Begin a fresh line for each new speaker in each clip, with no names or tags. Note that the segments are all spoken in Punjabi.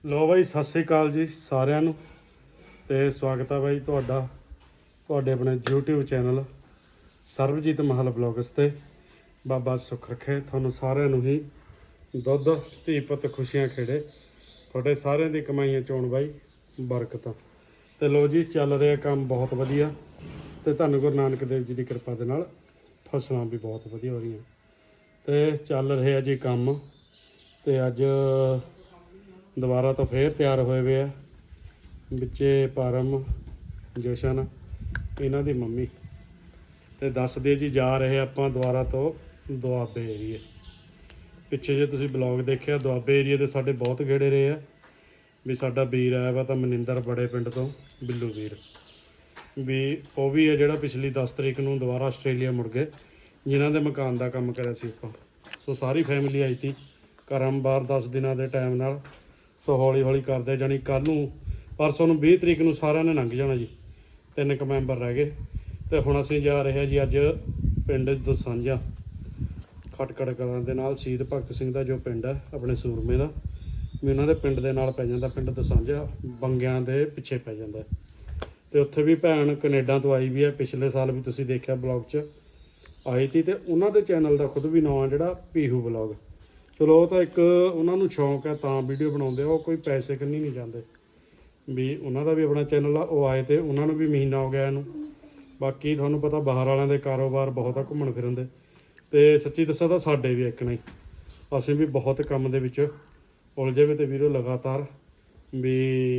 ਲੋ ਬਾਈ ਸਤਿ ਸ੍ਰੀ ਅਕਾਲ ਜੀ ਸਾਰਿਆਂ ਨੂੰ ਤੇ ਸਵਾਗਤ ਹੈ ਬਾਈ ਤੁਹਾਡੇ ਆਪਣੇ YouTube ਚੈਨਲ ਸਰਬਜੀਤ ਮਹਲ ਬਲੌਗਸ ਤੇ। ਬਾਬਾ ਸੁੱਖ ਰੱਖੇ ਤੁਹਾਨੂੰ ਸਾਰਿਆਂ ਨੂੰ ਹੀ, ਦੁੱਧ ਧੀ ਪੁੱਤ ਖੁਸ਼ੀਆਂ ਖੇੜੇ, ਤੁਹਾਡੇ ਸਾਰਿਆਂ ਦੀ ਕਮਾਈਆਂ ਚੋਣ ਬਾਈ ਬਰਕਤਾਂ। ਤੇ ਲੋ ਜੀ ਚੱਲ ਰਿਹਾ ਕੰਮ ਬਹੁਤ ਵਧੀਆ ਤੇ ਧੰਨ ਗੁਰੂ ਨਾਨਕ ਦੇਵ ਜੀ ਦੀ ਕਿਰਪਾ ਦੇ ਨਾਲ ਫਸਲਾਂ ਵੀ ਬਹੁਤ ਵਧੀਆ ਹੋ ਰਹੀਆਂ ਤੇ ਚੱਲ ਰਿਹਾ ਜੀ ਕੰਮ। ਤੇ ਅੱਜ ਦੁਬਾਰਾ ਤੋਂ ਫੇਰ ਤਿਆਰ ਹੋਏ ਵੇ ਆ ਵਿੱਚੇ ਪਰਮ, ਜਸ਼ਨ, ਇਹਨਾਂ ਦੀ ਮੰਮੀ। ਤੇ ਦੱਸਦੇ ਜੀ ਜਾ ਰਹੇ ਆਪਾਂ ਦੁਬਾਰਾ ਤੋਂ ਦੁਆਬੇ ਏਰੀਏ। ਪਿੱਛੇ ਜੇ ਤੁਸੀਂ ਬਲੌਗ ਦੇਖਿਆ ਦੁਆਬੇ ਏਰੀਏ ਦੇ ਸਾਡੇ ਬਹੁਤ ਗੇੜੇ ਰਹੇ ਆ ਵੀ ਸਾਡਾ ਵੀਰ ਆਇਆ ਵਾ ਤਾਂ ਮਨਿੰਦਰ ਬੜੇ ਪਿੰਡ ਤੋਂ, ਬਿੱਲੂ ਵੀਰ ਵੀ ਉਹ ਵੀ ਹੈ ਜਿਹੜਾ ਪਿਛਲੀ 10 ਤਰੀਕ ਨੂੰ ਦੁਬਾਰਾ ਆਸਟ੍ਰੇਲੀਆ ਮੁੜ ਗਏ, ਜਿਨ੍ਹਾਂ ਦੇ ਮਕਾਨ ਦਾ ਕੰਮ ਕਰਿਆ ਸੀ ਆਪਾਂ। ਸੋ ਸਾਰੀ ਫੈਮਿਲੀ ਆਈ ਤੀ ਕਰਮ ਬਾਹਰ 10 ਦਿਨਾਂ ਦੇ ਟਾਈਮ ਨਾਲ। ਸੋ ਹੌਲੀ ਹੌਲੀ ਕਰਦੇ ਜਾਣੀ ਕੱਲ੍ਹ ਨੂੰ ਪਰਸੋਂ ਨੂੰ 20 ਤਰੀਕ ਨੂੰ ਸਾਰਿਆਂ ਨੇ ਲੰਘ ਜਾਣਾ ਜੀ, 3 ਕੁ ਮੈਂਬਰ ਰਹਿ ਗਏ। ਤੇ ਹੁਣ ਅਸੀਂ ਜਾ ਰਹੇ ਹਾਂ ਜੀ ਅੱਜ ਪਿੰਡ ਦਸਾਂਝਾ, ਖਟਕੜ ਕਲਾਂ ਦੇ ਨਾਲ ਸ਼ਹੀਦ ਭਗਤ ਸਿੰਘ ਦਾ ਜੋ ਪਿੰਡ ਹੈ ਆਪਣੇ ਸੂਰਮੇ ਦਾ, ਵੀ ਉਹਨਾਂ ਦੇ ਪਿੰਡ ਦੇ ਨਾਲ ਪੈ ਜਾਂਦਾ। ਪਿੰਡ ਦਸਾਂਝਾ ਬੰਗਿਆਂ ਦੇ ਪਿੱਛੇ ਪੈ ਜਾਂਦਾ। ਤੇ ਉੱਥੇ ਵੀ ਭੈਣ ਕੈਨੇਡਾ ਤੋਂ ਆਈ ਵੀ ਹੈ, ਪਿਛਲੇ ਸਾਲ ਵੀ ਤੁਸੀਂ ਦੇਖਿਆ ਬਲੌਗ 'ਚ ਆਈ ਤੀ। ਤੇ ਉਹਨਾਂ ਦੇ ਚੈਨਲ ਦਾ ਖੁਦ ਵੀ ਨਾਂ ਜਿਹੜਾ ਪੀਹੂ ਬਲੌਗ। ਚਲੋ ਉਹ ਤਾਂ ਇੱਕ ਉਹਨਾਂ ਨੂੰ ਸ਼ੌਂਕ ਹੈ ਤਾਂ ਵੀਡੀਓ ਬਣਾਉਂਦੇ ਆ, ਉਹ ਕੋਈ ਪੈਸੇ ਕੰਨੀ ਨਹੀਂ ਜਾਂਦੇ ਵੀ। ਉਹਨਾਂ ਦਾ ਵੀ ਆਪਣਾ ਚੈਨਲ ਆ, ਉਹ ਆਏ ਤੇ ਉਹਨਾਂ ਨੂੰ ਵੀ ਮਹੀਨਾ ਹੋ ਗਿਆ ਇਹਨੂੰ। ਬਾਕੀ ਤੁਹਾਨੂੰ ਪਤਾ ਬਾਹਰ ਵਾਲਿਆਂ ਦੇ ਕਾਰੋਬਾਰ ਬਹੁਤ ਆ ਘੁੰਮਣ ਫਿਰਨ ਦੇ, ਤੇ ਸੱਚੀ ਦੱਸਾਂ ਤਾਂ ਸਾਡੇ ਵੀ ਇੱਕ ਨਹੀਂ, ਅਸੀਂ ਵੀ ਬਹੁਤ ਕੰਮ ਦੇ ਵਿੱਚ ਉਲਝੇ ਵੇ ਤੇ ਵੀਰੋ ਲਗਾਤਾਰ ਵੀ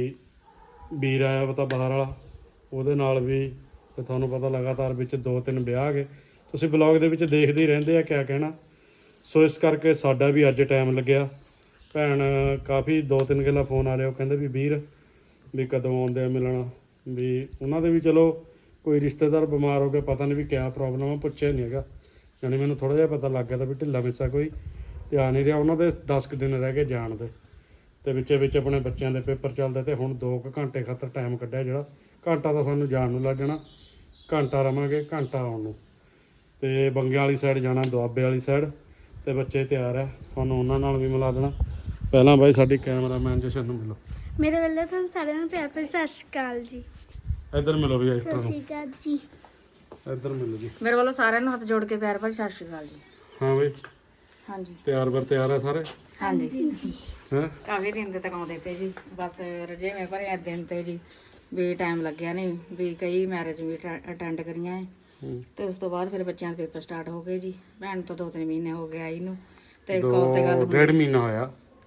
ਵੀਰ ਆਇਆ ਵਾ ਤਾਂ ਬਾਹਰ ਵਾਲਾ, ਉਹਦੇ ਨਾਲ ਵੀ ਤੇ ਤੁਹਾਨੂੰ ਪਤਾ ਲਗਾਤਾਰ ਵਿੱਚ 2-3 ਵਿਆਹ ਆ ਗਏ। ਤੁਸੀਂ ਬਲੌਗ ਦੇ ਵਿੱਚ ਦੇਖਦੇ ਹੀ ਰਹਿੰਦੇ ਆ ਕਿਆ ਕਹਿਣਾ। ਸੋ ਇਸ ਕਰਕੇ ਸਾਡਾ ਵੀ ਅੱਜ ਟਾਈਮ ਲੱਗਿਆ। ਭੈਣ ਕਾਫੀ 2-3 ਗੱਲਾਂ ਫੋਨ ਆ ਰਿਹਾ, ਉਹ ਕਹਿੰਦੇ ਵੀ ਵੀਰ ਵੀ ਕਦੋਂ ਆਉਂਦੇ ਆ ਮਿਲਣਾ। ਵੀ ਉਹਨਾਂ ਦੇ ਵੀ ਚਲੋ ਕੋਈ ਰਿਸ਼ਤੇਦਾਰ ਬਿਮਾਰ ਹੋ ਗਿਆ, ਪਤਾ ਨਹੀਂ ਵੀ ਕਿਆ ਪ੍ਰੋਬਲਮ ਆ, ਪੁੱਛਿਆ ਨਹੀਂ ਹੈਗਾ। ਯਾਨੀ ਮੈਨੂੰ ਥੋੜ੍ਹਾ ਜਿਹਾ ਪਤਾ ਲੱਗ ਗਿਆ ਤਾਂ ਵੀ ਢਿੱਲਾ ਮਿੱਸਾ ਕੋਈ ਧਿਆਨ ਨਹੀਂ ਰਿਹਾ। ਉਹਨਾਂ ਦੇ 10 ਕੁ ਦਿਨ ਰਹਿ ਗਏ ਜਾਣ ਦੇ, ਤੇ ਵਿੱਚ ਆਪਣੇ ਬੱਚਿਆਂ ਦੇ ਪੇਪਰ ਚੱਲਦੇ। ਤੇ ਹੁਣ 2 ਕੁ ਘੰਟੇ ਖਾਤਰ ਟਾਈਮ ਕੱਢਿਆ, ਜਿਹੜਾ ਘੰਟਾ ਤਾਂ ਸਾਨੂੰ ਜਾਣ ਨੂੰ ਲੱਗ ਜਾਣਾ, ਘੰਟਾ ਰਵਾਂਗੇ, ਘੰਟਾ ਆਉਣ ਨੂੰ। ਤੇ ਬੰਗਿਆਂ ਵਾਲੀ ਸਾਈਡ ਜਾਣਾ, ਦੁਆਬੇ ਵਾਲੀ ਸਾਈਡ। ਤੇ ਬੱਚੇ ਤਿਆਰ ਹੈ, ਤੁਹਾਨੂੰ ਉਹਨਾਂ ਨਾਲ ਵੀ ਮਿਲਾ ਦੇਣਾ। ਪਹਿਲਾਂ ਬਾਈ ਸਾਡੀ ਕੈਮਰਾਮੈਨ ਜਸ਼ਨ ਨੂੰ ਮਿਲੋ।
ਮੇਰੇ ਵੱਲੋਂ ਤੁਹਾਨੂੰ ਸਾਰਿਆਂ ਨੂੰ ਪਿਆਰ ਭਰੀ ਸਤਿ ਸ਼੍ਰੀ ਅਕਾਲ ਜੀ।
ਇੱਧਰ ਮਿਲੋ ਵੀ ਐਕਟਰ
ਸਤਿ
ਨੂੰ,
ਸ਼੍ਰੀ ਅਕਾਲ ਜੀ।
ਇੱਧਰ ਮਿਲੋ ਜੀ।
ਮੇਰੇ ਵੱਲੋਂ ਸਾਰਿਆਂ ਨੂੰ ਹੱਥ ਜੋੜ ਕੇ ਪਿਆਰ ਭਰੀ ਸਤਿ ਸ਼੍ਰੀ ਅਕਾਲ ਜੀ।
ਹਾਂ ਬਈ
ਹਾਂਜੀ
ਤਿਆਰ ਆ ਸਾਰੇ
ਹਾਂਜੀ
ਹੈਂ।
ਕਾਫੀ ਦਿਨ ਦੇ ਤੱਕ ਆਉਂਦੇ ਤੇ ਜੀ, ਬਸ ਰਜੇਵੇਂ ਭਰੇ ਦਿਨ ਤੇ ਜੀ ਵੀ ਟਾਈਮ ਲੱਗਿਆ ਨਹੀਂ ਵੀ ਕਈ ਮੈਰਿਜ ਵੀ ਅਟੈਂਡ ਕਰੀਆਂ ਹੈ। ਤੇ ਉਸ ਤੋਂ ਬਾਅਦ ਫਿਰ ਬੱਚਿਆਂ ਦੇ ਪੇਪਰ ਸਟਾਰਟ ਹੋ ਗਏ ਜੀ। ਭੈਣ ਤੋਂ 2-3 ਮਹੀਨੇ ਹੋ ਗਏ ਆਈ ਨੂੰ, ਤੇ ਕਾਲ ਤੇ ਗੱਲ
1.5 ਮਹੀਨਾ ਹੋਇਆ।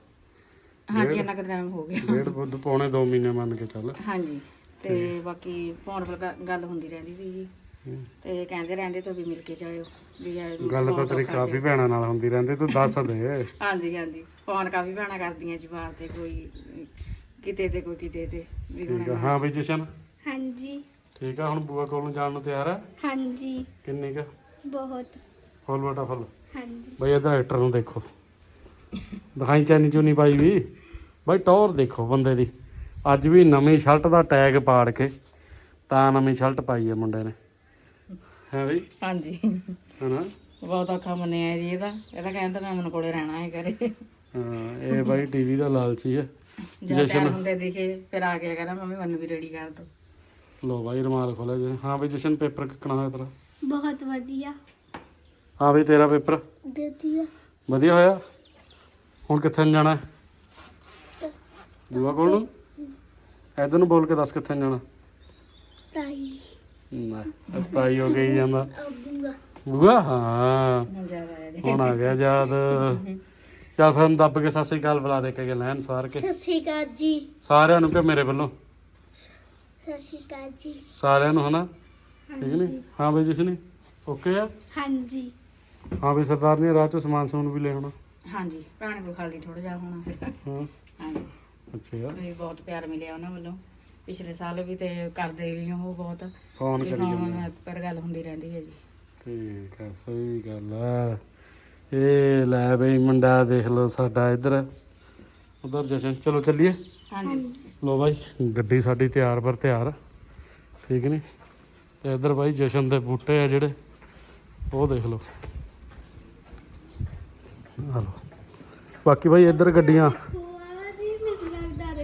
ਹਾਂਜੀ ਇੰਨਾ ਕੁ ਟਾਈਮ ਹੋ ਗਿਆ,
1.5 ਪੌਣੇ 2 ਮਹੀਨੇ ਮੰਨ ਕੇ ਚੱਲ।
ਹਾਂਜੀ। ਤੇ ਬਾਕੀ ਫੋਨ 'ਤੇ ਗੱਲ ਹੁੰਦੀ ਰਹਿੰਦੀ ਸੀ ਜੀ, ਤੇ ਕਹਿੰਦੇ ਰਹਿੰਦੇ ਤੋਂ ਵੀ ਮਿਲ ਕੇ ਜਾਇਓ ਵੀ
ਗੱਲ ਤਾਂ ਤੇਰੀ ਕਾਫੀ ਭੈਣਾਂ ਨਾਲ ਹੁੰਦੀ ਰਹਿੰਦੀ, ਤੂੰ ਦੱਸ ਦੇ।
ਹਾਂਜੀ ਫੋਨ ਕਾਫੀ ਭੈਣਾਂ ਕਰਦੀਆਂ ਜੀ ਬਾਹਰ ਤੇ, ਕੋਈ ਕਿਤੇ ਤੇ ਕੋਈ ਕਿਤੇ ਤੇ ਵੀ
ਠੀਕ ਆ। ਹਾਂ ਬਈ ਜਸ਼ਨ
ਹਾਂਜੀ
ਠੀਕ ਆ। ਹੁਣ ਬੂਆ ਕੋਲ ਨੂੰ ਜਾਣ ਨੂੰ ਤਿਆਰ ਹੈ?
ਹਾਂਜੀ
ਕਿੰਨੀ ਕੁ?
ਬਹੁਤ।
ਫੁੱਲ ਬਟਾ ਫੁੱਲ।
ਹਾਂਜੀ
ਬਈ ਇੱਧਰ ਐਕਟਰ ਨੂੰ ਦੇਖੋ, ਦਿਖਾਈ ਚੈਨੀ ਚੂਨੀ ਪਾਈ ਵੀ ਬਈ, ਟੌਰ ਦੇਖੋ ਬੰਦੇ ਦੀ। ਅੱਜ ਵੀ ਨਵੀਂ ਸ਼ਰਟ ਦਾ ਟੈਗ ਪਾੜ ਕੇ ਤਾਂ ਨਵੀਂ ਸ਼ਰਟ ਪਾਈ ਹੈ ਮੁੰਡੇ ਨੇ, ਹੈ ਬਈ?
ਹਾਂਜੀ
ਹਨਾ
ਬਹੁਤ ਔਖਾ ਮੰਨਿਆ ਜੀ ਇਹਦਾ ਕਹਿੰਦਾ ਮੈਂ ਮਨ ਕੋਲੇ ਰਹਿਣਾ ਹੈ ਘਰੇ।
ਹਾਂ ਇਹ ਬਾਈ ਟੀਵੀ ਦਾ ਲਾਲਚੀ ਹੈ।
ਜਦ ਤਿਆਰ ਹੁੰਦੇ ਦਿਖੇ ਫਿਰ ਆ ਗਿਆ ਕਹਿੰਦਾ ਮੰਮੀ ਮੈਨੂੰ ਵੀ ਰੈਡੀ ਕਰ ਦੋ।
ਲੋ ਬਾਈ ਰੁਮਾਲ ਖੋਲਿਆ ਜੀ। ਹਾਂ ਬਈ ਜਸ਼ਨ ਪੇਪਰ ਕਿੱਕਣਾ ਹੋਇਆ ਤੇਰਾ?
ਬਹੁਤ ਵਧੀਆ।
ਹਾਂ ਬਈ ਤੇਰਾ ਪੇਪਰ
ਵਧੀਆ।
ਵਧੀਆ ਹੋਇਆ। ਹੁਣ ਕਿੱਥੇ ਨੂੰ ਜਾਣਾ? ਬੂਆ ਕੋਲ ਨੂੰ? ਇੱਧਰ ਨੂੰ ਬੋਲ ਕੇ ਦੱਸ ਕਿੱਥੇ ਨੂੰ ਜਾਣਾ।
ਤਾਈ
ਨਾ ਤਾਈ ਹੋ ਗਈ ਜਾਂਦਾ।
ਬੂਆ।
ਬੂਆ ਹਾਂ
ਹੁਣ ਜ਼ਿਆਦਾ ਆਇਆ ਜੀ।
ਹੁਣ ਆ ਗਿਆ ਯਾਦ। ਚੱਲ ਫਿਰ ਹੁਣ ਦੱਬ ਕੇ ਸਤਿ ਸ੍ਰੀ ਅਕਾਲ ਬੁਲਾ ਦੇ ਕੇ ਲੈਣ ਸਾਰ ਕੇ
ਸਤਿ ਸ਼੍ਰੀ ਅਕਾਲ ਜੀ।
ਸਾਰਿਆਂ ਨੂੰ, ਕਿ ਮੇਰੇ ਵੱਲੋਂ
ਸਤਿ ਸ਼੍ਰੀ ਅਕਾਲ ਜੀ।
ਸਾਰਿਆਂ ਨੂੰ, ਹਨਾ? ਠੀਕ ਨਹੀਂ? ਹਾਂ ਬਈ ਜਸ਼ਨ ਓਕੇ ਆ?
ਹਾਂਜੀ
ਹਾਂ ਬਈ ਸਰਦਾਰ ਨੇ ਰਾਹ ਚੋਂ ਸਮਾਨ ਸਮੂਨ ਵੀ ਲੈ ਆਉਣਾ।
ਹਾਂਜੀ ਭੈਣ ਕੋਲ ਖਾਲੀ ਥੋੜਾ ਜਿਹਾ ਹੋਣਾ ਫਿਰ।
ਹਾਂ
ਹਾਂਜੀ
ਅੱਛਾ
ਵੀ ਬਹੁਤ ਪਿਆਰ ਮਿਲਿਆ ਉਹਨਾਂ ਵੱਲੋਂ ਪਿਛਲੇ ਸਾਲ ਵੀ, ਤੇ ਕਰਦੇ ਵੀ ਉਹ ਬਹੁਤ
ਫੋਨ
ਵੀ
ਕਰੀ
ਫੋਨ
ਜਾਂਦਾ।
ਪਰ ਗੱਲ ਹੁੰਦੀ ਰਹਿੰਦੀ ਹੈ ਜੀ।
ਠੀਕ ਹੈ ਸਹੀ ਗੱਲ ਆ। ਇਹ ਲੈ ਬਈ ਮੁੰਡਾ ਦੇਖ ਲਓ ਸਾਡਾ ਇੱਧਰ ਉਧਰ ਜਸ਼ਨ। ਚਲੋ ਚੱਲੀਏ।
ਹਾਂਜੀ
ਲੋ ਬਾਈ ਗੱਡੀ ਸਾਡੀ ਤਿਆਰ ਪਰ ਤਿਆਰ, ਠੀਕ ਨੀ? ਤੇ ਇੱਧਰ ਬਾਈ ਜਸ਼ਨ ਦੇ ਬੂਟੇ ਆ ਜਿਹੜੇ, ਉਹ ਦੇਖ ਲਓ। ਆ ਲਓ ਬਾਕੀ ਬਾਈ ਇੱਧਰ ਗੱਡੀਆਂ।
ਜੀ ਮੈਨੂੰ ਲੱਗਦਾ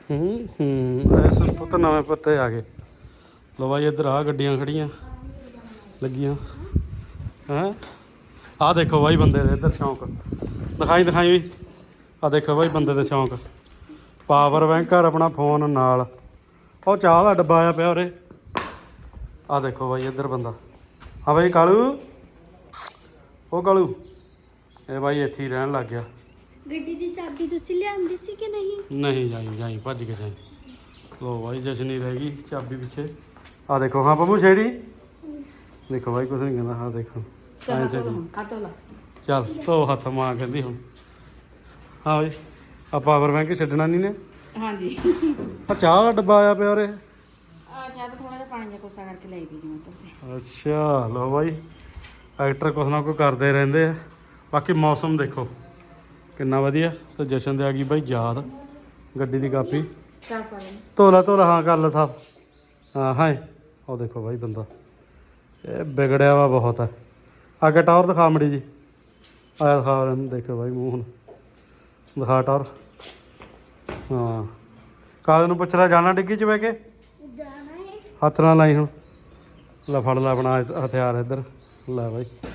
ਇਸ ਪੁੱਤ ਨਵੇਂ ਪੱਤੇ ਆ ਗਏ। ਲੋ ਬਾਈ ਇੱਧਰ ਆ ਗੱਡੀਆਂ ਖੜੀਆਂ ਲੱਗੀਆਂ ਹੈਂ। ਆਹ ਦੇਖੋ ਬਾਈ ਬੰਦੇ ਦੇ ਇੱਧਰ ਸ਼ੌਂਕ ਦਿਖਾਈ ਵੀ। ਆਹ ਦੇਖੋ ਬਾਈ ਬੰਦੇ ਦੇ ਸ਼ੌਂਕ ਪਾਵਰ ਬੈਂਕਰ ਆਪਣਾ ਫੋਨ ਨਾਲ। ਉਹ ਚਾਹ ਦਾ ਡੱਬਾ ਆਇਆ ਪਿਆ ਉਰੇ। ਆਹ ਦੇਖੋ ਬਾਈ ਇੱਧਰ ਬੰਦਾ। ਹਾਂ ਬਾਈ ਕਾਲੂ, ਉਹ ਕਾਲੂ ਇਹ ਬਾਈ ਇੱਥੇ ਹੀ ਰਹਿਣ ਲੱਗ ਗਿਆ।
ਗੱਡੀ ਦੀ ਚਾਬੀ ਤੁਸੀਂ ਲਿਆਂਦੀ ਸੀ ਕਿ ਨਹੀਂ?
ਨਹੀਂ ਜਾਈ ਭੱਜ ਕੇ ਜਾਈ। ਲੋ ਬਾਈ ਜਸ਼ਨੀ ਰਹਿ ਗਈ ਚਾਬੀ ਪਿੱਛੇ। ਆਹ ਦੇਖੋ ਹਾਂ ਪੰਮੂ ਛੇੜੀ ਦੇਖੋ ਬਾਈ ਕੁਛ ਨਹੀਂ ਕਹਿੰਦਾ। ਹਾਂ ਦੇਖੋ ਐਂ ਛੇੜੀ ਚੱਲ ਧੋ ਹੱਥ ਮਾਂ ਕਹਿੰਦੀ ਹੁਣ। ਹਾਂ ਬਾਈ ਆ ਪਾਵਰ ਬੈਂਕ ਛੱਡਣਾ ਨਹੀਂ ਨੇ।
ਹਾਂਜੀ
ਆ ਚਾਹ ਦਾ ਡੱਬਾ ਆਇਆ ਪਿਆ ਉਰੇ।
ਆ ਜਦ ਥੋੜਾ ਜਿਹਾ ਪਾਣੀ ਦਾ ਕੋਸਾ ਕਰਕੇ ਲਈ ਦੀ ਜਿਵੇਂ ਤੇ।
ਅੱਛਾ ਲੋ ਬਾਈ ਐਕਟਰ ਕੁਛ ਨਾ ਕੁਛ ਕਰਦੇ ਰਹਿੰਦੇ ਆ। ਬਾਕੀ ਮੌਸਮ ਦੇਖੋ ਕਿੰਨਾ ਵਧੀਆ। ਤੇ ਜਸ਼ਨ ਦੇ ਆ ਗਈ ਬਾਈ ਯਾਦ ਗੱਡੀ ਦੀ ਕਾਪੀ।
ਚੱਲ ਪਾ ਲੈ
ਧੋਲਾ ਹਾਂ ਕਰ ਲੈ ਸਾਹਿਬ। ਹਾਂ ਉਹ ਦੇਖੋ ਬਾਈ ਬੰਦਾ ਇਹ ਵਿਗੜਿਆ ਵਾ ਬਹੁਤ ਹੈ। ਅੱਗੇ ਟਾਵਰ ਦਿਖਾ ਮੜੀ ਜੀ। ਆਇਆ ਦਿਖਾ ਇਹਨੂੰ ਦੇਖੋ ਬਾਈ ਮੂੰਹ ਹੁਣ ਦਿਖਾ ਟਾਵਰ। ਹਾਂ ਕਾਲੇ ਨੂੰ ਪੁੱਛ ਲੈ ਜਾਣਾ ਡਿੱਗੀ 'ਚ ਬਹਿ ਕੇ।
ਜਾਣਾ ਹੈ।
ਹੱਥ ਨਾਲ ਲਾਈ ਹੁਣ। ਲੈ ਫੜ ਲੈ ਆਪਣਾ ਹਥਿਆਰ ਇੱਧਰ। ਲੈ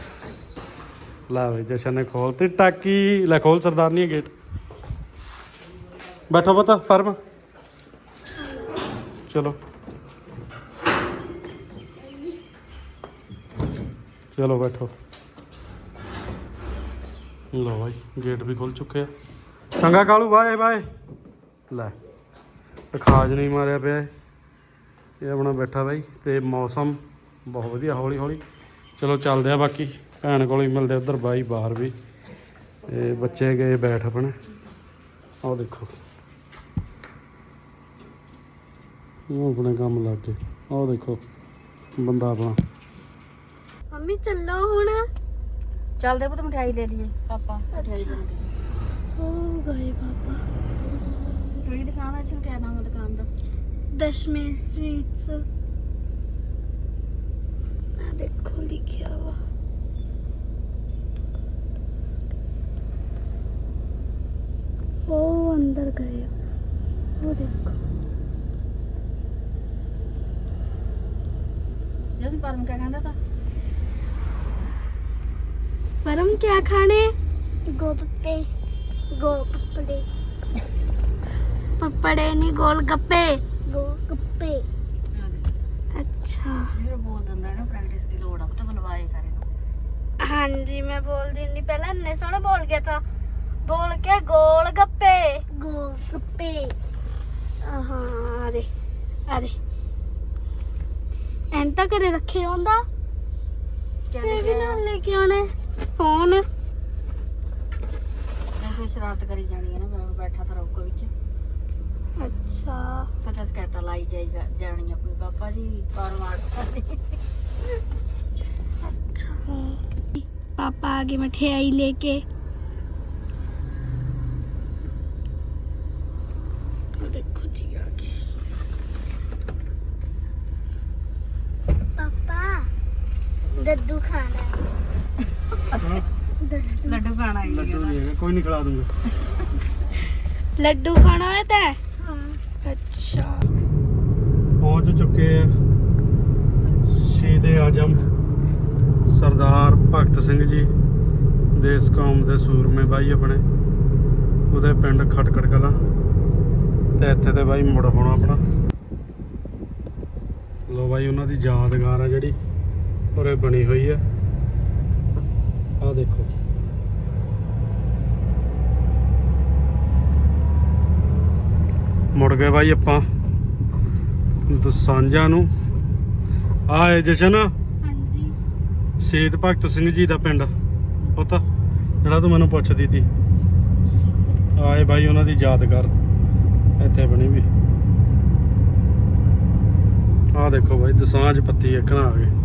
ਬਾਈ ਜਸ਼ਨ ਨੇ ਖੋਲਤੀ ਟਾਕੀ। ਲੈ ਖੋਲ ਸਰਦਾਰਨੀ ਗੇਟ। ਬੈਠੋ ਪੁੱਤ ਫਰਮ। ਚਲੋ ਬੈਠੋ। ਲੋ ਬਾਈ ਗੇਟ ਵੀ ਖੁੱਲ ਚੁੱਕੇ ਆ। ਚੰਗਾ ਕਾਲੂ ਬਾਏ ਲੈ ਖਾਜ ਨਹੀਂ ਮਾਰਿਆ ਪਿਆ ਇਹ ਆਪਣਾ ਬੈਠਾ ਬਾਈ। ਤੇ ਮੌਸਮ ਬਹੁਤ ਵਧੀਆ ਹੌਲੀ ਚਲੋ ਚੱਲਦੇ ਆ। ਬਾਕੀ ਭੈਣ ਕੋਲ ਹੀ ਮਿਲਦੇ ਉੱਧਰ ਬਾਈ ਬਾਹਰ ਵੀ। ਤੇ ਬੱਚੇ ਗਏ ਬੈਠ ਆਪਣੇ। ਆਹ ਦੇਖੋ ਉਹ ਆਪਣੇ ਕੰਮ ਲੱਗ ਗਏ। ਆਹ ਦੇਖੋ ਬੰਦਾ ਆਪਣਾ।
ਮੰਮੀ ਚੱਲੋ ਹੁਣ।
ਚੱਲਦੇ ਪੁੱਤ ਮਠਿਆਈ ਲੈ ਲਈਏ ਪਾਪਾ ਮਠਿਆਈ ਬਣਦੀ।
ਹੋ ਗਏ ਪਾਪਾ।
ਕਿਹੜੀ ਦੁਕਾਨ ਹੈ? ਕਿਆ ਨਾਮ ਹੈ ਦੁਕਾਨ ਦਾ?
ਦਸ਼ਮੇ ਸਵੀਟਸ। ਆ ਦੇਖੋ ਲਿਖਿਆ ਵਾ। ਉਹ ਅੰਦਰ ਗਏ। ਉਹ ਦੇਖੋ
ਜਦ ਪਰਮ ਕਿਆ ਕਹਿੰਦਾ ਤਾ?
परम क्या खाने? गोलगप्पे। पपड़े नहीं गोलगप्पे। गोलगप्पे। अच्छा
ਜਿਹੜਾ ਬੋਲ ਦਿੰਦਾ ਨਾ ਪ੍ਰੈਕਟਿਸ ਦੀ ਲੋੜ ਆ ਪੁੱਤ ਬੁਲਵਾਏ ਕਰੇ।
हाँ जी मैं बोल दी नहीं पहले इतने सोना बोल गया था। बोल के गोलगप्पे। गोलगप्पे। हाँ अरे एंता करे रखे होंदा। ये भी ना लेके आने फोन।
ਕੋਈ ਸ਼ਰਾਰਤ ਕਰੀ ਜਾਣੀ ਹੈ ਨਾ ਬੈਠਾ ਤਾਂ ਰੋਕੋ ਵਿੱਚ।
अच्छा
ਪਤਾ ਸਕੈਤਾ ਲਾਈ ਜਾਈਗਾ ਜਾਣੀ ਆਪਣੀ ਪਾਪਾ ਜੀ ਪਾਰ ਮਾਰ।
अच्छा पापा आगे मठियाई लेके। देखो जी आगे पापा दद्दू खाना है।
ਲੱਡੂ ਖਾਣਾ ਹੀ
ਲੱਡੂ ਨਹੀਂ ਹੈਗਾ ਕੋਈ ਨਹੀਂ ਖਿਲਾ ਦੂੰਗਾ।
लड्डू खाना है ते? अच्छा
ਪਹੁੰਚ ਚੁੱਕੇ ਆ ਸ਼ਹੀਦ-ਏ ਆਜ਼ਮ ਸਰਦਾਰ ਭਗਤ ਸਿੰਘ ਜੀ ਦੇਸ ਕੌਮ ਦੇ ਸੂਰਮੇ ਬਾਈ ਆਪਣੇ। ਉਹਦੇ ਪਿੰਡ ਖਟਕੜ ਕਲਾਂ। ਤੇ ਇੱਥੇ ਤੇ ਬਾਈ ਮੁੜ ਹੋਣਾ ਆਪਣਾ। ਲੋ ਬਾਈ ਉਹਨਾਂ ਦੀ ਯਾਦਗਾਰ ਆ ਜਿਹੜੀ ਉਰੇ ਬਣੀ ਹੋਈ ਆ। ਆਹ ਦੇਖੋ ਮੁੜ ਗਏ ਬਾਈ ਆਪਾਂ ਦਸਾਂਝਾਂ ਨੂੰ। ਆਏ ਜਸ਼ਨ
हाँ जी
ਸ਼ਹੀਦ ਭਗਤ ਸਿੰਘ ਜੀ ਦਾ ਪਿੰਡ ਪੁੱਤ ਜਿਹੜਾ ਤੂੰ ਮੈਨੂੰ ਪੁੱਛਦੀ ਤੀ। ਆਏ ਬਾਈ ਉਹਨਾਂ ਦੀ ਯਾਦਗਾਰ ਇੱਥੇ ਬਣੀ ਵੀ। ਆਹ ਦੇਖੋ ਬਾਈ ਦਸਾਂਝ ਪੱਤੀ ਇੱਕਣਾ ਆ ਗਏ।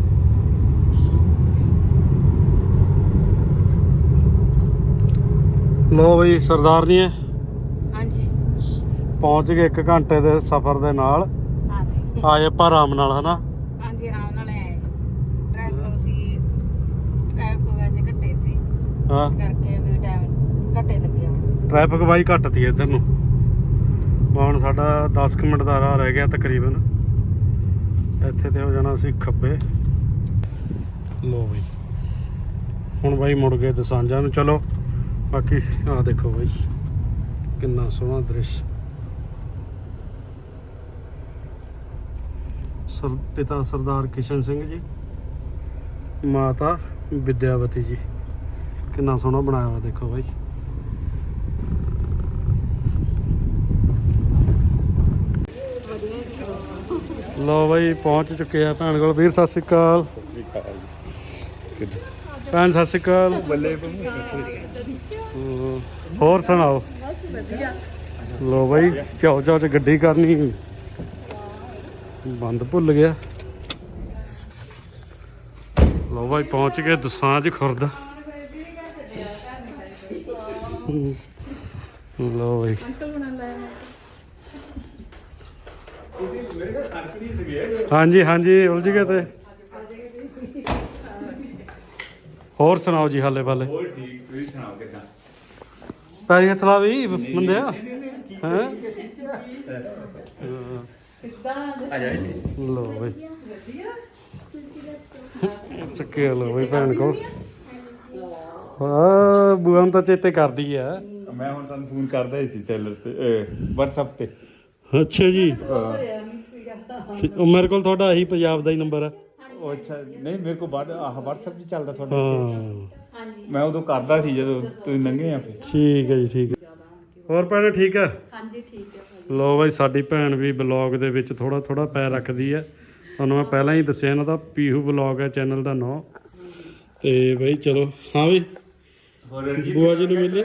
ਲੋ ਬਈ ਸਰਦਾਰਨੀਏ
ਹਾਂਜੀ
ਪਹੁੰਚ ਗਏ 1 ਘੰਟੇ ਦੇ ਸਫ਼ਰ ਦੇ ਨਾਲ।
ਹਾਂਜੀ
ਆਏ ਆਪਾਂ ਆਰਾਮ ਨਾਲ ਹਨਾ।
ਹਾਂਜੀ ਆਰਾਮ ਨਾਲ ਆਏ। ਟ੍ਰੈਫਿਕ ਵੈਸੇ ਘੱਟੇ ਸੀ
ਹਾਂ
ਇਸ ਕਰਕੇ ਵੀ ਟਾਈਮ ਘੱਟੇ ਲੱਗਿਆ।
ਟ੍ਰੈਫਿਕ ਬਾਈ ਘੱਟ ਤੀ ਇੱਧਰ ਨੂੰ। ਹੁਣ ਸਾਡਾ 10 ਕੁ ਮਿੰਟ ਦਾ ਰਾਹ ਰਹਿ ਗਿਆ ਤਕਰੀਬਨ। ਇੱਥੇ ਤੇ ਹੋ ਜਾਣਾ ਅਸੀਂ ਖੱਬੇ। ਲੋ ਬਈ ਹੁਣ ਬਾਈ ਮੁੜ ਗਏ ਦਸਾਂਜਾਂ ਨੂੰ। ਚਲੋ ਬਾਕੀ ਆਹ ਦੇਖੋ ਬਾਈ ਕਿੰਨਾ ਸੋਹਣਾ ਦ੍ਰਿਸ਼। ਪਿਤਾ ਸਰਦਾਰ ਕਿਸ਼ਨ ਸਿੰਘ ਜੀ, ਮਾਤਾ ਵਿਦਿਆਵਤੀ ਜੀ। ਕਿੰਨਾ ਸੋਹਣਾ ਬਣਾਇਆ ਵਾ ਦੇਖੋ ਬਾਈ। ਲੋ ਬਾਈ ਪਹੁੰਚ ਚੁੱਕੇ ਆ ਭੈਣ ਕੋਲ। ਵੀਰ ਸਤਿ ਸ਼੍ਰੀ ਅਕਾਲ। ਭੈਣ ਸਤਿ ਸ਼੍ਰੀ ਅਕਾਲ। ਹੋਰ ਸੁਣਾਓ? ਲੋ ਬਾਈ ਚਾਓ ਚਾਓ ਚ ਗੱਡੀ ਕਰਨੀ ਬੰਦ ਭੁੱਲ ਗਿਆ। ਲੋ ਬਾਈ ਪਹੁੰਚ ਗਏ ਦਸਾਂਝ ਖੁਰਦ। ਲੋ ਬਾਈ ਹਾਂਜੀ ਹਾਂਜੀ ਉਲਝ ਗਏ ਤੇ। ਹੋਰ ਸੁਣਾਓ ਜੀ ਹਾਲੇ ਵਾਲੇ?
ਹੋਰ ਠੀਕ, ਤੁਸੀਂ ਸੁਣਾਓ ਕਿੱਦਾਂ?
ਪੈਰੀ ਹੱਥ ਲਾ ਵੀ ਬੰਦਿਆ ਹੈਂ।
ਆ ਜਾ ਇੱਥੇ।
ਲੋ ਬਈ ਚੱਕੇ ਲੋ ਬਈ ਭੈਣ ਕੋਲ। ਹਾਂ ਬੂਆ ਨੂੰ ਤਾਂ ਚੇਤੇ ਕਰਦੀ ਆ।
ਮੈਂ ਹੁਣ ਤੁਹਾਨੂੰ ਫੋਨ ਕਰਦਾ ਹੀ ਸੀ ਸੈਲਰ ਤੇ WhatsApp ਤੇ।
ਅੱਛਾ ਜੀ। ਉਹ ਮੇਰੇ ਕੋਲ ਤੁਹਾਡਾ ਇਹੀ ਪੰਜਾਬ ਦਾ ਹੀ ਨੰਬਰ ਆ।
ਉਹ ਅੱਛਾ ਨਹੀਂ ਮੇਰੇ ਕੋਲ WhatsApp ਵੀ ਚੱਲਦਾ ਤੁਹਾਡਾ।
ਹਾਂ
ਮੈਂ ਉਦੋਂ ਕਰਦਾ ਸੀ ਜਦੋਂ ਤੁਸੀਂ ਲੰਘੇ ਆ ਫਿਰ।
ਠੀਕ ਹੈ ਜੀ ਠੀਕ ਹੈ। ਹੋਰ ਭੈਣ ਠੀਕ ਹੈ? ਹਾਂਜੀ ਠੀਕ ਹੈ। ਲੋ ਬਾਈ ਸਾਡੀ ਭੈਣ ਵੀ ਬਲੌਗ ਦੇ ਵਿੱਚ ਥੋੜਾ ਥੋੜਾ ਪੈਰ ਰੱਖਦੀ ਹੈ। ਤੁਹਾਨੂੰ ਮੈਂ ਪਹਿਲਾਂ ਹੀ ਦੱਸਿਆ ਇਹਨਾਂ ਦਾ ਪੀਹੂ ਬਲੌਗ ਹੈ ਚੈਨਲ ਦਾ ਨਾਂ। ਤੇ ਬਈ ਚਲੋ ਹਾਂ ਵੀ ਬੂਆ ਜੀ ਨੂੰ ਮਿਲੇ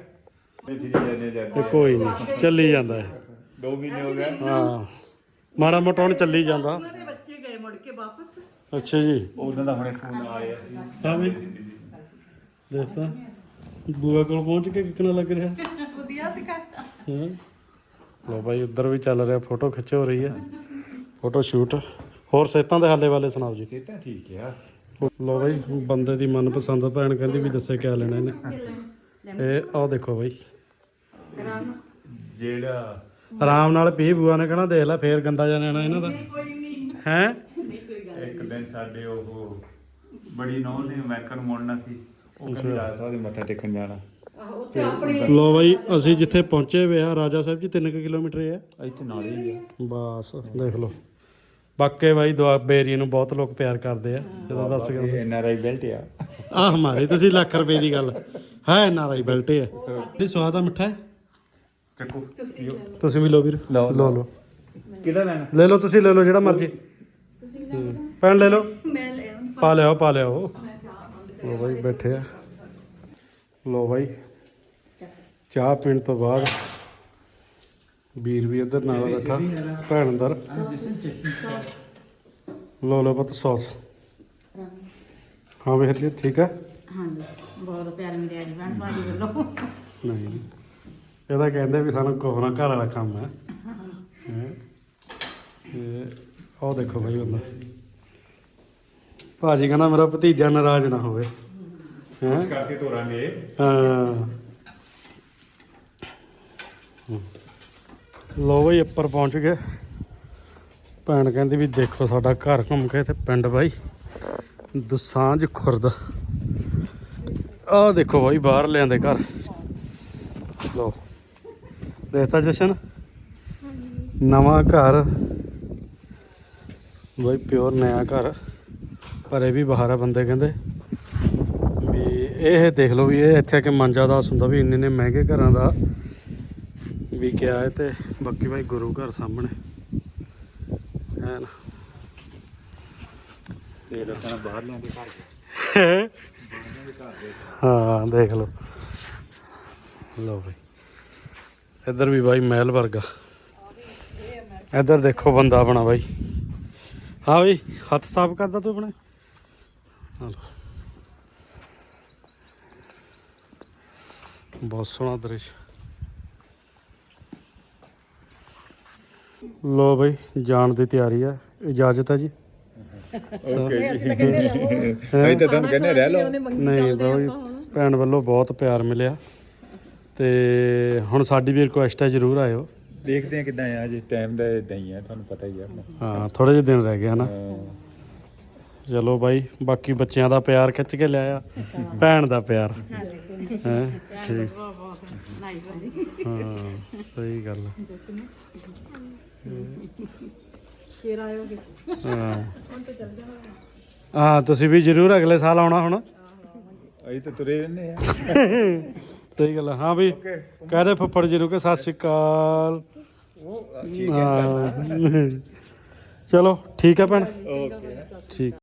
ਕੋਈ ਨਹੀਂ ਚੱਲੀ ਜਾਂਦਾ ਹੈ।
2 ਮਹੀਨੇ ਹੋ ਗਏ।
ਹਾਂ ਮਾੜਾ ਮੋਟਾ ਹੁਣ ਚੱਲੀ ਜਾਂਦਾ।
ਬੱਚੇ ਗਏ ਮੁੜ ਕੇ ਵਾਪਸ।
ਅੱਛਾ ਜੀ।
ਉਦੋਂ ਦਾ ਹੁਣੇ ਫੋਨ ਆਇਆ ਸੀ।
ਹਾਂ ਵੀ ਦੇਖਤਾ ਬੂਆ ਕੋਲ ਪਹੁੰਚ ਕੇ ਕਿੰਨਾ ਲੱਗ ਰਿਹਾ।
ਵਧੀਆ ਦਿਖਾ।
ਹਾਂ ਲੋ ਬਾਈ ਉੱਧਰ ਵੀ ਚੱਲ ਰਿਹਾ ਫੋਟੋ ਖਿੱਚ ਹੋ ਰਹੀ ਹੈ ਫੋਟੋ ਸ਼ੂਟ। ਹੋਰ ਸਿਹਤਾਂ ਦੇ ਹਾਲੇ ਵਾਲੇ ਸੁਣਾਓ ਜੀ?
ਸਿਹਤਾਂ ਠੀਕ ਆ।
ਲੋ ਬਾਈ ਬੰਦੇ ਦੀ ਮਨਪਸੰਦ ਭੈਣ ਕਹਿੰਦੀ ਵੀ ਦੱਸੇ ਕਿਆ ਲੈਣਾ ਇਹਨੇ। ਇਹ ਆਹ ਦੇਖੋ ਬਾਈ
ਜਿਹੜਾ
ਆਰਾਮ ਨਾਲ ਪੀ ਬੂਆ ਨੇ ਕਹਿਣਾ ਦੇਖ ਲੈ ਫੇਰ ਗੰਦਾ ਜਾ ਲੈਣਾ ਇਹਨਾਂ ਦਾ ਹੈ।
ਇੱਕ ਦਿਨ ਸਾਡੇ ਉਹ ਬੜੀ ਨੌਂ ਨੇ ਮੈਕਰ ਨੂੰ ਮੁੜਨਾ ਸੀ। ਉਹ ਕਹਿੰਦੀ ਰਾਜ ਸਾਹਿਬ ਦੇ ਮੱਥਾ ਟੇਕਣ ਜਾਣਾ।
ਲੋ ਬਾਈ ਅਸੀਂ ਜਿੱਥੇ ਪਹੁੰਚੇ ਹੋਏ ਆ ਰਾਜਾ ਸਾਹਿਬ ਜੀ 3 ਕਿਲੋਮੀਟਰ ਹੈ
ਇੱਥੇ ਨਾਲ ਹੀ ਆ।
ਬਸ ਦੇਖ ਲਓ। ਬਾਕੀ ਬਾਈ ਦੁਆਬੇ ਏਰੀਏ ਨੂੰ ਬਹੁਤ ਲੋਕ ਪਿਆਰ ਕਰਦੇ ਆ ਜਦੋਂ ਦੱਸ ਗਏ
NRI ਬੈਲਟ ਆ।
ਆਹ ਹਮਾਰੇ ਤੁਸੀਂ ਲੱਖ ਰੁਪਏ ਦੀ ਗੱਲ ਹੈ NRI ਬੈਲਟ ਹੈ। ਇਹ ਸਵਾਦ ਆ ਮਿੱਠਾ ਹੈ।
ਚੱਕੋ
ਤੁਸੀਂ ਵੀ ਲਓ ਵੀਰ
ਲਓ,
ਲਓ ਲਓ
ਕਿਹੜਾ ਲੈਣਾ?
ਲੈ ਲਓ ਤੁਸੀਂ ਲੈ ਲਓ ਜਿਹੜਾ ਮਰਜ਼ੀ ਭੈਣ ਲੈ ਲਓ। ਪਾ ਲਿਆਓ ਪਾ ਲਿਆਓ। ਲੋ ਬਾਈ ਬੈਠੇ ਆ। ਲੋ ਬਾਈ ਚਾਹ ਪੀਣ ਤੋਂ ਬਾਅਦ ਵੀਰ ਵੀ ਇੱਧਰ ਨਾਲ ਬੈਠਾ ਭੈਣ ਅੰਦਰ। ਲੋ ਲੋ ਪੁੱਤ ਸੌਸ। ਹਾਂ ਵੇਖ ਲਈ ਠੀਕ ਹੈ।
ਹਾਂਜੀ ਬਹੁਤ ਪਿਆਰ ਮਿਲਿਆ ਜੀ ਭੈਣ ਭਾਜੀ ਵੱਲੋਂ।
ਨਹੀਂ ਇਹਦਾ ਕਹਿੰਦੇ ਵੀ ਸਾਨੂੰ ਕੋਹਰਾ ਘਰ ਵਾਲਾ ਕੰਮ ਹੈ। ਉਹ ਦੇਖੋ ਭਾਈ ਬੰਦਾ ਭਾਜੀ ਕਹਿੰਦਾ ਮੇਰਾ ਭਤੀਜਾ ਨਾਰਾਜ਼ ਨਾ ਹੋਵੇ ਹੈ
ਕਰਕੇ ਤੋਰਾਂਗੇ।
ਹਾਂ ਲੋ ਬਈ ਉੱਪਰ ਪਹੁੰਚ ਗਏ। ਭੈਣ ਕਹਿੰਦੀ ਵੀ ਦੇਖੋ ਸਾਡਾ ਘਰ ਘੁੰਮ ਕੇ ਤੇ ਪਿੰਡ ਬਾਈ ਦਸਾਂਝ ਖੁਰਦ। ਆਹ ਦੇਖੋ ਬਾਈ ਬਾਹਰ ਲਿਆਂਦੇ ਘਰ। ਲੋ ਦੇਖਤਾ ਜਸ਼ਨ ਨਵਾਂ ਘਰ ਬਾਈ ਪਿਓਰ ਨਵਾਂ ਘਰ। ਪਰ ਇਹ ਵੀ ਬਾਹਰ ਆ ਬੰਦੇ ਕਹਿੰਦੇ ਵੀ ਇਹ ਦੇਖ ਲਓ ਵੀ ਇਹ ਇੱਥੇ ਆ ਕੇ ਮੰਜਾ ਦਾਸ ਹੁੰਦਾ ਵੀ ਇੰਨੇ ਮਹਿੰਗੇ ਘਰਾਂ ਦਾ ਵੀ ਕਿਹਾ ਹੈ। ਤੇ ਬਾਕੀ ਬਾਈ ਗੁਰੂ ਘਰ ਸਾਹਮਣੇ ਹੈ ਨਾ।
ਤੇ ਲੋਕਾਂ ਨੇ ਬਾਹਰ ਲਿਆਂਦੇ ਘਰ।
ਹਾਂ ਦੇਖ ਲਓ। ਲਓ ਬਾਈ ਇੱਧਰ ਵੀ ਬਾਈ ਮਹਿਲ ਵਰਗਾ। ਇੱਧਰ ਦੇਖੋ ਬੰਦਾ ਆਪਣਾ ਬਾਈ। ਹਾਂ ਬਾਈ ਹੱਥ ਸਾਫ਼ ਕਰਦਾ ਤੂੰ ਆਪਣੇ। ਹਾਂ ਲਓ ਬਹੁਤ ਸੋਹਣਾ ਦ੍ਰਿਸ਼। ਲੋ ਬਾਈ ਜਾਣ ਦੀ ਤਿਆਰੀ ਆ। ਇਜਾਜ਼ਤ ਹੈ ਜੀ।
ਓਕੇ ਜੀ ਅਸੀਂ ਤਾਂ ਤੁਹਾਨੂੰ ਕਹਿੰਦੇ ਰਹਿ ਲਓ।
ਨਹੀਂ ਬਾਈ ਭੈਣ ਵੱਲੋਂ ਬਹੁਤ ਪਿਆਰ ਮਿਲਿਆ ਤੇ ਹੁਣ ਸਾਡੀ ਵੀ ਰਿਕੁਐਸਟ ਹੈ ਜ਼ਰੂਰ ਆਇਓ।
ਦੇਖਦੇ ਆ ਕਿਦਾਂ ਆ ਜੇ ਟਾਈਮ ਦਾ ਇਦਾਂ ਹੀ ਆ ਤੁਹਾਨੂੰ ਪਤਾ ਹੀ ਆ ਆਪਣਾ।
ਹਾਂ ਥੋੜੇ ਜਿਹੇ ਦਿਨ ਰਹਿ ਗਏ ਹਨਾ।
ਹਾਂ।
ਚਲੋ ਬਾਈ ਬਾਕੀ ਬੱਚਿਆਂ ਦਾ ਪਿਆਰ ਖਿੱਚ ਕੇ ਲਿਆਇਆ ਭੈਣ ਦਾ ਪਿਆਰ ਹੈ ਠੀਕ ਹਾਂ ਸਹੀ ਗੱਲ ਆ।
ਫੇਰ ਆਇਓਗੇ
ਹਾਂ ਤੁਸੀਂ ਵੀ ਜ਼ਰੂਰ ਅਗਲੇ ਸਾਲ ਆਉਣਾ ਹੁਣ।
ਅਸੀਂ ਤਾਂ ਤੁਰੇ ਰਹਿੰਦੇ ਆ।
ਸਹੀ ਗੱਲ ਆ। ਹਾਂ ਵੀ ਕਹਦੇ ਫੁੱਫੜ ਜੀ ਨੂੰ ਕਿ ਸਤਿ ਸ਼੍ਰੀ ਅਕਾਲ।
ਉਹ ਠੀਕ ਹੈ
ਹਾਂ ਚਲੋ ਠੀਕ ਹੈ ਭੈਣ
ਓਕੇ
ਠੀਕ।